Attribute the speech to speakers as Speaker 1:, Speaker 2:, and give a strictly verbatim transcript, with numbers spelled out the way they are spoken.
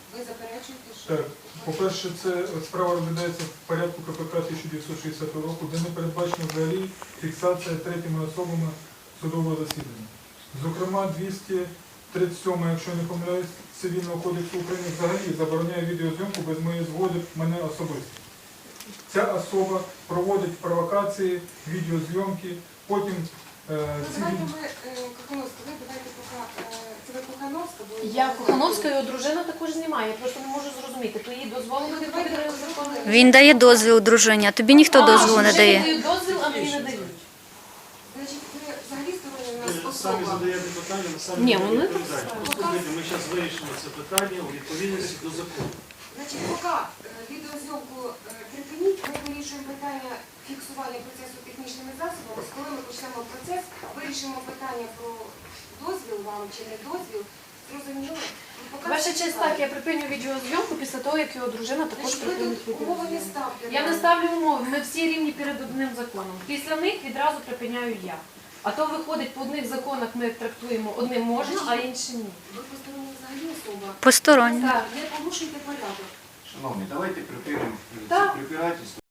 Speaker 1: Ви заперечуєте, що...
Speaker 2: Так, по-перше, це от справа розглядається в порядку К П К тисяча дев'ятсот шістдесятого року, де не передбачена взагалі фіксація третіми особами судового засідання. Зокрема, двісті тридцять сьома, якщо я не помиляюсь, Цивільного кодексу України взагалі забороняє відеозйомку без моєї згоди мене особисто. Ця особа проводить провокації, відеозйомки, потім е,
Speaker 1: Ну,
Speaker 2: ці
Speaker 1: давайте
Speaker 2: від-
Speaker 1: ми, е, Кохановська, ви давайте поки... е, Це ви Кохановська? бо-
Speaker 3: Я Кохановська, його дружина також знімає, я просто не можу зрозуміти, то їй дозволено
Speaker 1: Ну,
Speaker 3: від
Speaker 1: давайте
Speaker 3: закону.
Speaker 1: розрахунемо.
Speaker 4: Він дає дозвіл дружині, а тобі ніхто дозволу не дає.
Speaker 3: Дають дозвіл, а мені не дають.
Speaker 1: Значить, ви взагалі сторонні у нас
Speaker 5: Ви самі
Speaker 1: особа.
Speaker 5: задаєте питання, ми самі
Speaker 3: Ні,
Speaker 5: не
Speaker 3: вони
Speaker 5: відповідаємо.
Speaker 3: так
Speaker 5: Послухайте, ми зараз вирішимо це питання у відповідності до закону.
Speaker 1: Значить, поки е, відеозйомку е, припиніть, ми вирішуємо питання фіксування процесу технічними засобами. Коли ми почнемо процес, вирішимо питання про дозвіл вам чи не дозвіл. Зрозуміло? Ну, поки
Speaker 3: Ваша
Speaker 1: все
Speaker 3: честь,
Speaker 1: цікаво.
Speaker 3: так, я припиню відеозйомку після того, як його дружина також
Speaker 1: Значить, ви
Speaker 3: припинить
Speaker 1: тут умови не
Speaker 3: відеозйомку.
Speaker 1: ставте.
Speaker 3: Я не
Speaker 1: нам.
Speaker 3: ставлю умови, ми всі рівні перед одним законом. Після них відразу припиняю я. А то виходить, по одних законах ми трактуємо одним можна, а іншим ні.
Speaker 1: Ви посторонні взагалі особа.
Speaker 4: Посторонні.
Speaker 1: Так, не порушуйте порядок.
Speaker 6: Шановні, давайте припинимо
Speaker 3: Так.
Speaker 6: це препирательство.